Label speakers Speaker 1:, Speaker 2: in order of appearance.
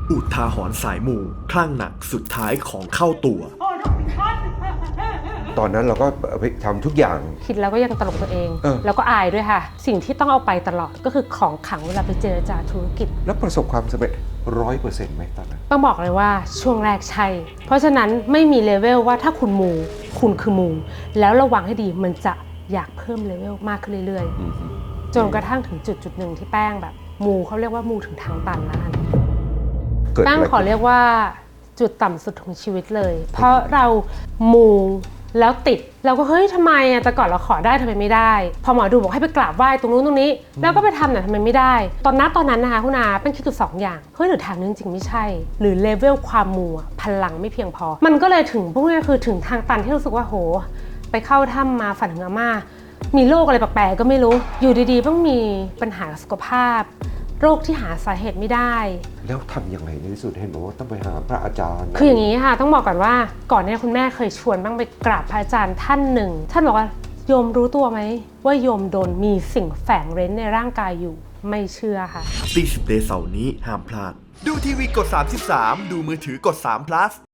Speaker 1: อุทาหรณ์สายมูคลั่งหนักสุดท้ายของเข้าตัว
Speaker 2: ตอนนั้นเราก็ทำทุกอย่าง
Speaker 3: คิดแล้วก็ยังตลกตัวเอง แล้วก็อายด้วยค่ะ สิ่งที่ต้องเอาไปตลอดก็คือของขลังเวลาไปเจรจาธุรกิจ
Speaker 2: แล้วประสบความสำเร็จ100%ไหมตอนนั้น
Speaker 3: ต้องบอกเลยว่าช่วงแรกใช่ เพราะฉะนั้นไม่มีเลเวลว่าถ้าคุณมูคุณคือมูแล้วระวังให้ดีมันจะอยากเพิ่มเลเวลมากขึ้นเรื่อยๆจนกระทั่งถึงจุดหนึ่งที่แป้งแบบมูเขาเรียกว่ามูถึงทางตันแล้วกันแป้งขอเรียกว่าจุดต่ำสุดของชีวิตเลย เพราะเรามูแล้วติดเราก็เฮ้ยทำไมอะแต่ก่อนเราขอได้ทำไมไม่ได้พอหมอดูบอกให้ไปกราบไหว้ตรงนู้นตรงนี้แล้วก็ไปทำแต่ทำไมไม่ได้ตอนนั้นนะคะคุณอาเป็นคิดอยู่2 อย่างเฮ้ยหรือทางนี้จริงไม่ใช่หรือเลเวลความมูพลังไม่เพียงพอมันก็เลยถึงพวกนี้คือถึงทางตันที่รู้สึกว่าโหไปเข้าถ้ำมาฝันถึงอาม่ามีโรคอะไรแปลกๆก็ไม่รู้อยู่ดีๆต้องมีปัญหาสุขภาพโรคที่หาสาเหตุไม่ได้
Speaker 2: แล้วทำยังไงในที่สุดเห็นบอกว่าต้องไปหาพระอาจารย์
Speaker 3: คืออย่างนี้ค่ะต้องบอกก่อนว่าก่อนนี้คุณแม่เคยชวนบ้างไปกราบพระอาจารย์ท่านหนึ่งท่านบอกว่าโยมรู้ตัวไหมว่าโยมโดนมีสิ่งแฝงเร้นในร่างกายอยู่ไม่เชื่อค่ะ
Speaker 1: ตี10 เดย์เสาร์นี้ห้ามพลาดดูทีวีกด33ดูมือถือกด3 plus